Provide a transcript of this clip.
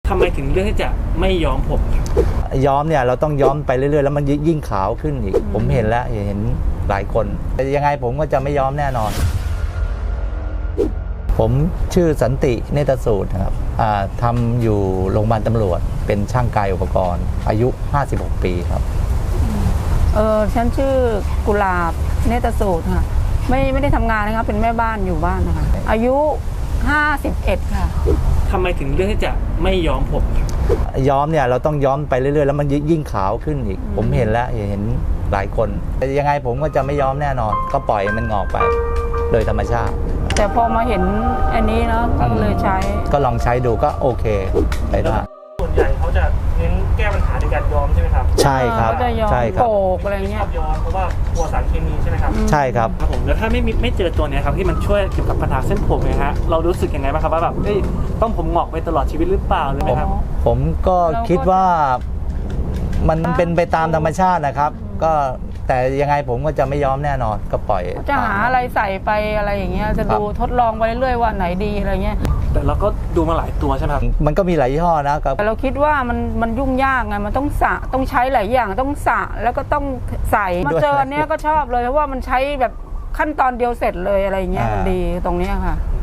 ทำไมถึงเลือกที่จะไม่ย้อมผมครับย้อมเนี่ยเราต้องย้อมไปเรื่อยๆแล้วมันยิ่งขาวขึ้นอีกผมเห็นแล้วเห็นหลายคนแต่ยังไงผมก็จะไม่ย้อมแน่นอนผมชื่อสันติเนตรสูตรครับทำอยู่โรงพยาบาลตำรวจเป็นช่างกายอุปกรณ์อายุ56ปีครับฉันชื่อกุหลาบเนตรสูตรค่ะไม่ได้ทำงานนะครับเป็นแม่บ้านอยู่บ้านนะคะอายุ51ค่ะทำไมถึงเลือกที่จะไม่ย้อมผมครับย้อมเนี่ยเราต้องย้อมไปเรื่อยๆแล้วมันยิ่งขาวขึ้นอีกผมเห็นแล้วเห็นหลายคนแต่ยังไงผมก็จะไม่ย้อมแน่นอนก็ปล่อยมันงอกไปโดยธรรมชาติแต่พอมาเห็นอันนี้เนาะก็เลยใช้ก็ลองใช้ดูก็โอเคไปได้ส่วนใหญ่เขาจะเน้นแก้ปัญหาในการย้อมใช่ไหมครับใช่ครับใช่ครับโกกอะไรเงี้ยชอบย้อมเพราะว่ากลัวสารเคมีใช่ไหมครับใช่ครับครับผมแล้วถ้าไม่เจอตัวนี้ครับที่มันช่วยเกี่ยวกับปัญหาเส้นผมนะฮะเรารู้สึกยังไงบ้างครับว่าแบบต้องผมงอกไปตลอดชีวิตหรือเปล่าเลยไหมครับผมก็คิดว่ามันเป็นไปตามธรรมชาตินะครับก็แต่ยังไงผมก็จะไม่ย้อมแน่นอนก็ปล่อยจะหาอะไรใส่ไปอะไรอย่างเงี้ยจะดูทดลองไปเรื่อยๆว่าไหนดีอะไรเงี้ยแต่เราก็ดูมาหลายตัวใช่ไหมครับมันก็มีหลายยี่ห้อนะครับแต่เราคิดว่ามันยุ่งยากไงมันต้องสระต้องใช้หลายอย่างต้องสระแล้วก็ต้องใส่มาเจอเนี้ยก็ชอบเลยเพราะว่ามันใช้แบบขั้นตอนเดียวเสร็จเลยอะไรเงี้ยมันดีตรงเนี้ยค่ะ